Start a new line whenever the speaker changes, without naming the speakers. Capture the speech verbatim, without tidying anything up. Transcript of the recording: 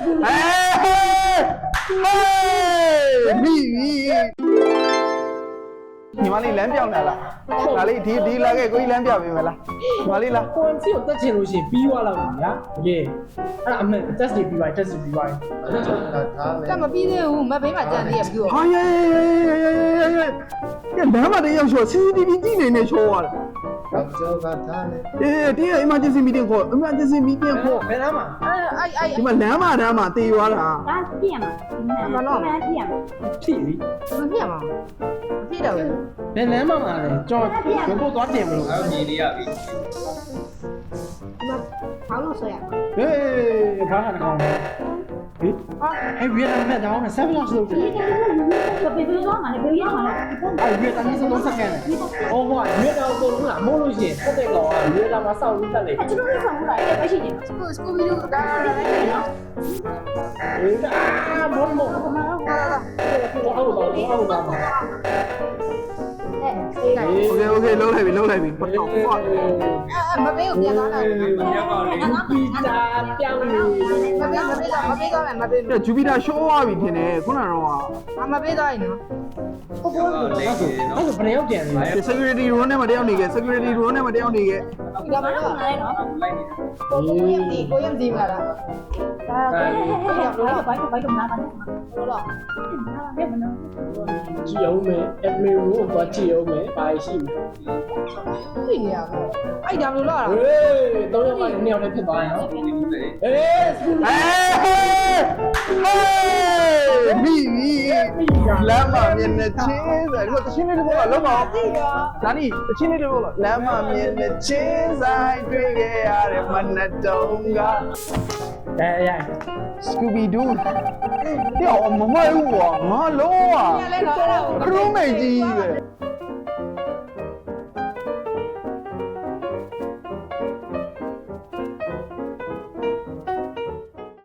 မိညီမလေးလမ်းပြောင်းလာလားဒါလေးဒီဒီလာခဲ့ကိုကြီးလမ်းပြပေးမလားညီမလေးလား
ကိုယ်စီကိုတက်ချင်လို့ရှိရင်ပြီးသွားလောက်ပါဗျာတကယ်အဲ့ဒါအမှန် test တွေပြီးသွား test တွေပြီးသွား
တက်မပြီးသေးဘူးမဘေးမှာကြံသေးရပြီးတော့
ဟာယေကဲလမ်းမတည်းရောက်ချော C C T V ကြည့်နေနေချောသွားတယ်
ကျော်ကထားလေ
အေးဒီ emergency meeting ခေါ် emergency meeting ခေါ်
ဘယ်နားမှာ
အဲ့အဲ့အဲ့
ဒီမှာလမ်းမတန်းမှာတေသွားတာ
ဒါပြည့်မှာမနော်မပြည့်မှာ
ဖြည့်ပြီ
မပြတ်ပါဘူးမပြတ်တော့ဘူး
ဘယ်နားမှာမှာလဲကြော်ဘယ်ပို့သွားတင်မလို့
အဲ့မြေလေးရပြီ
မဘာလို့ဆိုရ
ဟေးဘာကတကောင်ဟေးအဲ့ဗီယက်နမ်နဲ့တောင်းနဲ့ seven loss လုပ်တယ်
ဘယ်လိုသွားမှာလဲဘယ်ရောက်မှာလဲ
အဲ့ဗီယက်နမ်စလုံးစကန်တယ်အော်ဟိုကဗီယက်နမ်ကိုလုံးလားမို့လို့ရှိရင်တက်တဲ့ကောင်ကဗီယက်နမ်မှာစောက်လို့တက်လေ
ကျွန်တော်တို့ဆောင်လာတယ်ပဲရှိတယ်
စကူစကူဘီလူဒါလည်းလည်းနော်
အေးအာဘောမော
ဘာမှမဟုတ်ပါဘူး
ဟိုအောက်တော့အောက်တော့မှာ
โอเคโอเคလုံးလိုက်ပြီလုံးလိုက်ပြီပတ်တော့ကွာ
အဲ့မဘေးကိုပြန်သွားတာမဘေးမဘေး
ရောက်ပါလေ
ပီတာပြောင်းနေ
ကမဘေးမဘေးသွားမယ်မဘေး
ဂျူပီတာရှိုးသွားပြီထင်တယ်ခုနကတော့
အမဘေးသွားရင်နော်
ဟုတ်ကဲ့အဲ့ဒါဆိုဘယ်ရောက်ကြံလဲ
security room နဲ့မတယောက်နေခဲ့ security room နဲ့မတယောက်နေခဲ့
ဒီကမတော့နားလဲနော်
လိုက်နေ
ကိုကိုရင်ဒီကိုရင်ဒီမှာလား
ဒါဘိုက်ဘိုက်တော့နားပါနဲ့
ဟုတ်လား
ဘယ်မနော်
ကြည့်အောင်မယ် admin room ကိုသွားကြည့်အောင်မယ်ဘာရှိမလဲ
သိနေရပါအဲ့ဒါဘယ်လိုလုပ်ရ
ဟေးတော့ရောက်မှနှစ်ယောက်တည်းဖြစ်သွားရင်နော်
ဒီလိုလေ
အေး
အေးမိလမ်းမမြင်နေချင်းဆိုတော့တချင်းလေးတစ်ပုဒ်လောက်ပါအောင်ဒါနီတချင်းလေးတစ်ပုဒ်လောက်လမ်းမမြင်နေချင်းဆိုင်တွေ့ခဲ့ရတဲ့မနက်တုံးက
အဲရ
Scooby Doo ပြောမမဟုတ်ဘူးကွာငါလုံးဝ
လဲနော်အဲ့ဒါကို
ခရုံးမိတ်ကြီးပဲ